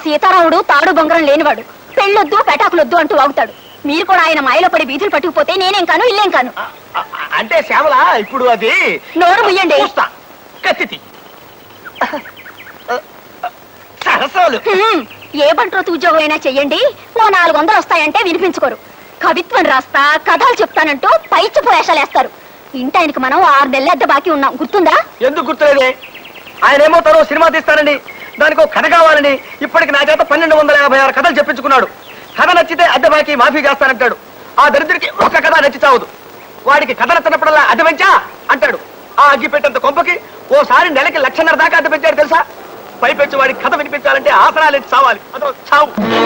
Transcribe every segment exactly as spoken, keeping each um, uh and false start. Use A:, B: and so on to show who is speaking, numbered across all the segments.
A: సీతారాముడు తాడు బొంగరం లేనివాడు, పెళ్ళొద్దు పెటాకులొద్దు అంటూ వాగుతాడు. మీరు కూడా ఆయన మాయలో పడి బీతులు పట్టుకుపోతే నేనేం కాను ఇల్లేం కాను.
B: అంటే శ్యామల ఇప్పుడు అది
A: నోరు ముయ్యండి.
B: కత్తి సరసాలు
A: ఏ బంట్రోతు ఉద్యోగం అయినా చెయ్యండి, ఓ నాలుగు వందలు వస్తాయంటే వినిపించుకోరు. కవిత్వం రాస్తా కథలు చెప్తానంటూ పైచి పోయేషాలేస్తారు. ఇంటి ఆయనకి మనం ఆరు నెలల అద్దె బాకీ ఉన్నాం, గుర్తుందా?
B: ఎందుకు గుర్తులేదే? ఆయన ఏమో తను సినిమా తీస్తానని, దానికి కథ కావాలని ఇప్పటికి నా చేత పన్నెండు వందల యాభై ఆరు కథలు చెప్పించుకున్నాడు. కథ నచ్చితే అద్దె బాకీ మాఫీ చేస్తానంటాడు. ఆ దరిద్రుడికి ఒక కథ నచ్చి చావదు. వాడికి కథ నచ్చినప్పుడల్లా అద్దె పెంచా అంటాడు. ఆ అగ్గి పెట్టేంత కొంపకి ఓసారి నెలకి లక్షన్నర దాకా అద్దె పెంచాడు తెలుసా? పైపెచ్చి వాడికి కథ వినిపించాలంటే ఆసనాలు ఎత్తి చావాలి. అదో చావు.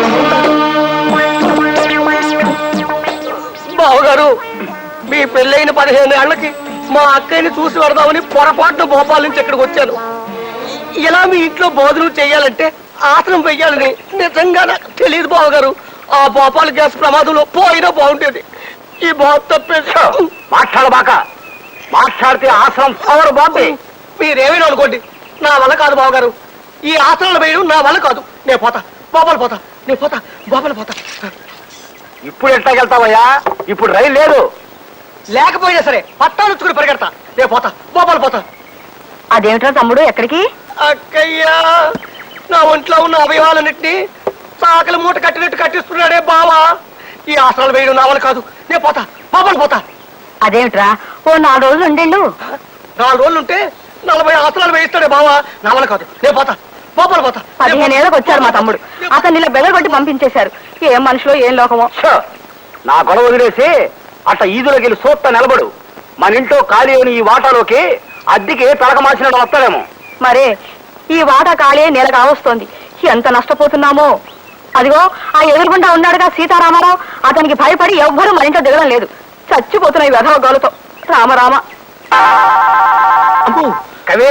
B: బావగారు, మీ పెళ్ళైన పదిహేను ఏళ్లకి మా అక్కయ్యని చూసి వరదామని పొరపాటున భోపాల్ నుంచి ఇక్కడికి వచ్చాను. ఇలా మీ ఇంట్లో భోజనం చెయ్యాలంటే ఆసనం వెయ్యాలని నిజంగా నాకు తెలియదు బావగారు. ఆ భోపాల్ గ్యాస్ ప్రమాదంలో పోయినా బాగుండేది. ఈ బాబు తప్పేసి మాట్లాడబాక. మాట్లాడితే ఆసనం పవర్ బాబే. మీరేమైనా అనుకోండి, నా వల్ల కాదు బావగారు. ఈ ఆసనాలు వేయడం నా వల్ల కాదు. నేను పోతా, భోపాల్ పోతా, నేను పోతా, భోపాల్ పోతా. ఇప్పుడు ఎట్లాగెళ్తావయ్యా? ఇప్పుడు రైలు లేదు. లేకపోయినా సరే పట్టాలుచ్చుకుని పరిగెడతా. నేను పోతా, భోపాల్ పోతా.
A: అదేమిటో తమ్ముడు, ఎక్కడికి?
B: అక్కయ్యా, నా ఒంట్లో ఉన్న అవయవాలన్నింటినీ సాకలి మూట కట్టినట్టు కట్టిస్తున్నాడే బావా. ఈ ఆసనాలు వేయడం నా వల్ల కాదు. నేను పోతా, భోపాల్ పోతా.
A: అదేమిట్రా, ఓ నాలుగు రోజులు ఉండేళ్ళు.
B: నాలుగు రోజులు ఉంటే నలభై ఆసనాలు వేయిస్తాడే బావా. నా వల్ల కాదు. నేను పోతా, భోపాల్ పోతా.
A: పదిహేను ఏళ్ళకి వచ్చారు మా తమ్ముడు, అతన్ని ఇలా బెదరగొట్టి పంపించేశారు. ఏం మనుషులో ఏం లోకమో.
B: నా గొడవ వదిలేసి అట్ట ఈదులోకి వెళ్ళి సూత్త నిలబడు. మన ఇంట్లో ఖాళీ అయిన ఈ వాటాలోకి అద్దెకి తలక మార్చినట్టు వస్తాడేమో.
A: మరే ఈ వాటా ఖాళీ నెల కావస్తోంది. ఎంత నష్టపోతున్నామో. అదిగో ఆ ఎదురుగుండా ఉన్నాడుగా సీతారామారావు, అతనికి భయపడి ఎవ్వరూ మన ఇంట్లో దిగడం లేదు. చచ్చిపోతున్నాయి వెధవ గోలతో. రామరామ.
B: కవే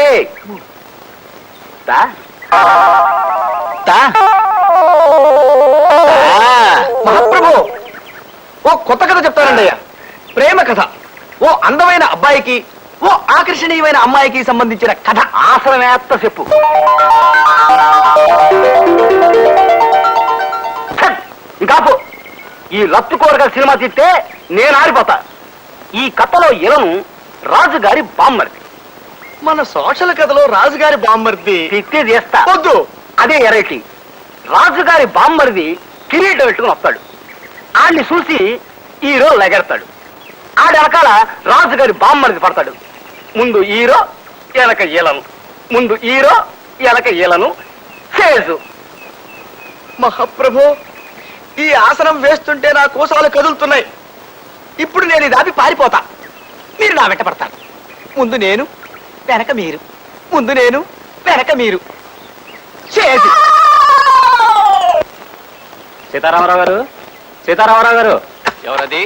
B: మహాప్రభు, ఓ కొత్త కథ చెప్తానండి అయ్యా. ప్రేమ కథ. ఓ అందమైన అబ్బాయికి, ఓ ఆకర్షణీయమైన అమ్మాయికి సంబంధించిన కథ. ఆసనమేత్త చెప్పు. ఇంకాపు. ఈ లత్తు కూరగాయల సినిమా తీస్తే నేను ఆరిపోతా. ఈ కథలో ఇలను రాజుగారి బామ్మర్ది. మన సోషల్ కథలో రాజుగారి బామ్మర్ది తిత్తి చేస్తా వద్దు. అదే ఎరైటీ. రాజుగారి బామ్మర్ది కిరీటం పెట్టుకుని వస్తాడు. ఆడిని చూసి హీరో లెగెడతాడు. ఆడి వెనకాల రాజుగారి బామ్మర్ది పడతాడు. ముందు హీరో, ఎనక ఈలను. ముందు హీరో, ఎనక ఈలను. చేజు. మహాప్రభు, ఈ ఆసనం వేస్తుంటే నా కోసాలు కదులుతున్నాయి. ఇప్పుడు నేను ఇది ఆపి పారిపోతా. మీరు నా వెంట పడతారు. ముందు నేను, వెనక మీరు. ముందు నేను, వెనక మీరు. చేసి.
C: సీతారామరావు గారు, సీతారామరావు గారు. ఎవరది?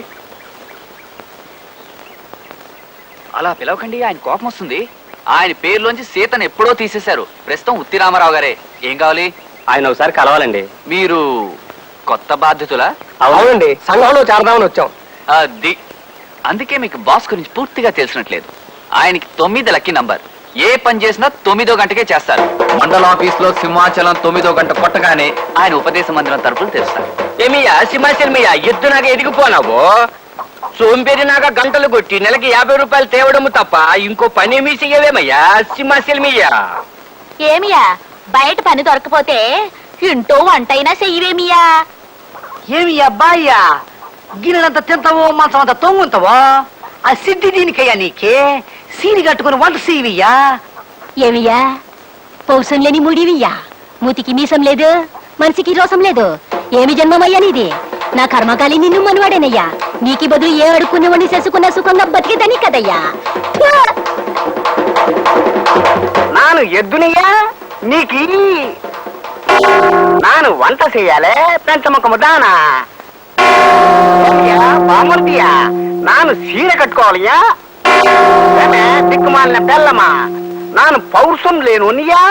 C: అలా పిలవకండి, ఆయన కోపం వస్తుంది. ఆయన పేరులోంచి సీతను ఎప్పుడో తీసేశారు. ప్రస్తుతం ఉత్తి రామారావు గారే. ఏం కావాలి?
B: ఆయన ఒకసారి కలవాలండి.
C: మీరు కొత్త బాధ్యతలా?
B: అవునండి, సంఘంలో చేరదామని వచ్చాం.
C: అది అందుకే మీకు బాస్ గురించి పూర్తిగా తెలిసినట్లేదు. ఆయనకి తొమ్మిది లక్కీ నంబర్. ఏ పని చేసినా తొమ్మిదో గంటకే చేస్తారు. మండల ఆఫీస్ లో సింహాచలం తొమ్మిదో గంట కొట్టగానే ఆయన ఉపదేశ మందిరం తరపులు తెరుస్తారు.
B: ఏమియా సింహాచలమయ్యా, ఎద్దు నాకు ఎదిగిపోనావు. సోంపేరి నాక గంటలు కొట్టి నెలకి యాభై రూపాయలు తేవడము తప్ప ఇంకో పని ఏమీ చెయ్యవేమయ్యా సింహాచలమయ్యా.
A: ఏమియా, బయట పని దొరకపోతే ఇంటో వంటైనా చెయ్యవేమియా?
D: ఏమి అబ్బాయ్యా, గిన్నెలంత తింటావో మంచం అంత తొంగుంటావో? ఆ సిద్ధి దీనికయ్యా నీకే. సీని కట్టుకుని వంట సీవియ్యా.
A: ఏమియా, పౌసం లేని ముడివియ్యా. మూతికి మీసం లేదు, మనిషికి రోసం లేదు. ఏమి జన్మమయ్యా నీది? నా కర్మకాలి నిన్ను మనవాడేనయ్యా. నీకి బదులు ఏ అడుక్కునేవాడిని చేసుకున్న సుఖంగా బతికేదని కదయ్యా.
B: నాను ఎద్దునియా నీకి. నాను వంట చెయ్యాలే పెంచముఖము దానా. బామర్దియా, నాను సీర కట్టుకోవాలయ్యా. దిక్కుమాలిన బెల్లమా, నాను పౌరుషం లేనునియా.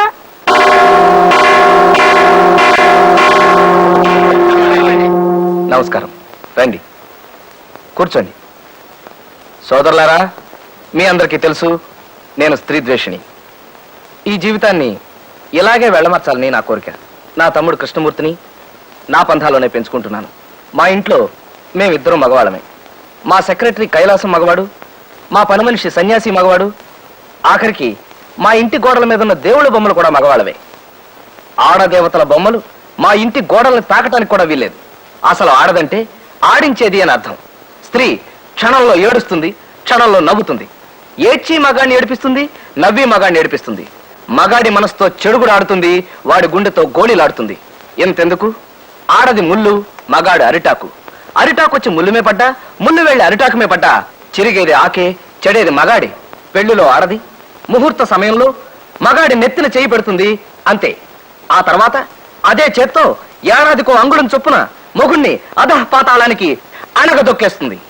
E: నమస్కారం. రండి, కూర్చోండి. సోదరులారా, మీ అందరికీ తెలుసు నేను స్త్రీ ద్వేషిని. ఈ జీవితాన్ని ఇలాగే వెళ్ళమర్చాలని నా కోరిక. నా తమ్ముడు కృష్ణమూర్తిని నా పంథాలోనే పెంచుకుంటున్నాను. మా ఇంట్లో మేమిద్దరం మగవాళ్ళమే. మా సెక్రటరీ కైలాసం మగవాడు, మా పని మనిషి సన్యాసి మగవాడు, ఆఖరికి మా ఇంటి గోడల మీద ఉన్న దేవుళ్ళ బొమ్మలు కూడా మగవాళ్ళవే. ఆడదేవతల బొమ్మలు మా ఇంటి గోడల్ని తాకటానికి కూడా వీల్లేదు. అసలు ఆడదంటే ఆడించేది అని అర్థం. స్త్రీ క్షణంలో ఏడుస్తుంది, క్షణంలో నవ్వుతుంది. ఏడ్చి మగాడిని ఏడిపిస్తుంది, నవ్వి మగాడిని ఏడిపిస్తుంది. మగాడి మనసుతో చెడుగుడు ఆడుతుంది, వాడి గుండెతో గోళీలాడుతుంది. ఎంతెందుకు, ఆడది ముళ్ళు, మగాడు అరిటాకు. అరిటాకు వచ్చి ముళ్ళుమే పడ్డా, ముళ్ళు వెళ్ళి అరిటాకుమే పడ్డా చిరిగేది ఆకే, చెడేది మగాడి. పెళ్లిలో ఆడది ముహూర్త సమయంలో మగాడి నెత్తిన చేయి పెడుతుంది, అంతే. ఆ తర్వాత అదే చేత్తో ఏడాదికో అంగుళం చొప్పున మొగుణ్ణి అధః పాతాళానికి అణగదొక్కేస్తుంది.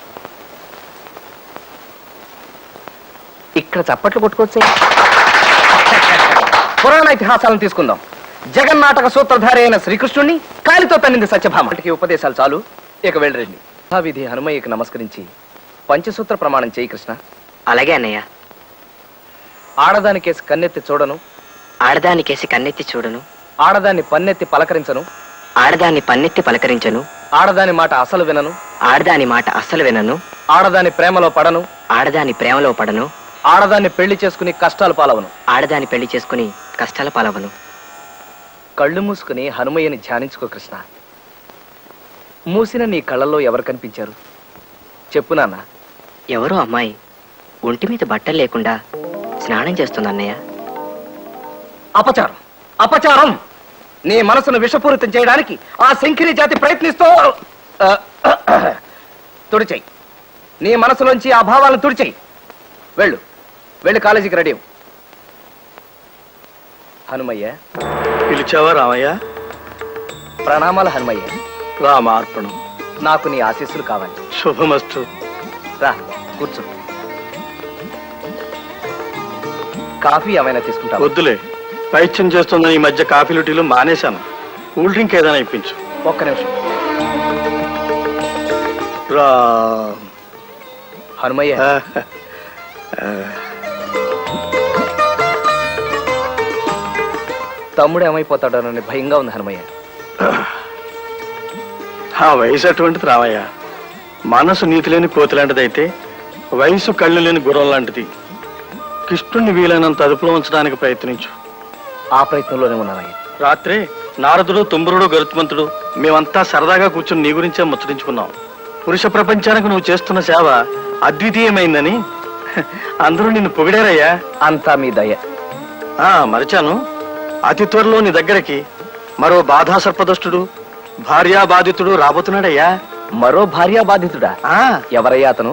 E: ఇక్కడ చప్పట్లు కొట్టుకోవచ్చే. పురాణ ఇతిహాసాలను తీసుకుందాం. జగన్నాటక సూత్రధారి అయిన శ్రీకృష్ణుణ్ణి కాలితో తన్నింది సత్యభామ. ఉపదేశాలు చాలు, ఇక వెళ్ళరండి. విధి హనుమయ్యకి నమస్కరించి పంచసూత్ర ప్రమాణం చేయి కృష్ణ.
D: అలాగే అన్నయ్య.
E: ఆడదానికేసి కన్నెత్తి చూడను,
D: ఆడదానికేసి కన్నెత్తి చూడను,
E: ఆడదాన్ని పన్నెత్తి పలకరించను,
D: ఆడదాన్ని పన్నెత్తి పలకరించను,
E: ఆడదాని మాట అసలు వినను,
D: ఆడదాని మాట అస్సలు వినను,
E: ఆడదాని ప్రేమలో పడను,
D: ఆడదాని ప్రేమలో పడను,
E: ఆడదాన్ని పెళ్లి చేసుకుని కష్టాలు పాలవను.
D: ఆడదాని పెళ్లి చేసుకుని కష్టాల పాలవను.
E: కళ్ళు మూసుకుని హనుమయ్యని ధ్యానించుకో కృష్ణ. మూసిన నీ కళ్ళల్లో ఎవరు కనిపించారు చెప్పు నాన్న.
D: ఎవరో అమ్మాయి ఒంటి మీద బట్టలు లేకుండా స్నానం చేస్తుంది అన్నయ్య.
E: అపచారం, అపచారం! నీ మనసును విషపూరితం చేయడానికి ఆ శంకిరి జాతి ప్రయత్నిస్తూ ఆ, తుడిచేయి. నీ మనసులోంచి ఆ భావాలను తుడిచేయి. వెళ్ళు, వెళ్ళి కాలేజీకి రెడీ అవ్వు. హనుమయ్య.
B: పిలిచావా రామయ్య?
E: ప్రణామాలు హనుమయ్య.
B: రామార్పణం.
E: నాకు నీ ఆశీస్సులు కావాలి.
B: శుభమస్తు.
E: రా కూర్చో. కాఫీ ఏమైనా తీసుకుంటా?
B: వద్దులే, పైత్యం చేస్తుందని ఈ మధ్య కాఫీలు టీలు మానేశాను. కూల్ డ్రింక్ ఏదైనా ఇప్పించు.
E: ఒక్క నిమిషం.
B: రా
E: హనుమయ్య, తమ్ముడు ఏమైపోతాడోనని భయంగా ఉంది హనుమయ్య.
B: ఆ వయసు అటువంటిది రామయ్య. మనసు నీతి లేని కోతి లాంటిదైతే వయసు కళ్ళు లేని గుర్రం లాంటిది. కృష్ణుణ్ణి వీలైనంత అదుపులో ఉంచడానికి ప్రయత్నించు.
E: ఆ ప్రయత్నంలోనే ఉన్నానయ్య.
B: రాత్రే నారదుడు, తుంబురుడు, గరుత్మంతుడు మేమంతా సరదాగా కూర్చుని నీ గురించే ముచ్చరించుకున్నాం. పురుష ప్రపంచానికి నువ్వు చేస్తున్న సేవ అద్వితీయమైందని అందరూ నిన్ను పొగిడారయ్యా.
E: అంతా మీ దయ.
B: ఆ మరిచాను, అతి త్వరలో నీ దగ్గరికి మరో బాధా సర్పదష్టుడు, భార్యా బాధితుడు రాబోతున్నాడయ్యా.
E: మరో భార్యా బాధితుడా?
B: ఆ
E: ఎవరయ్యా అతను?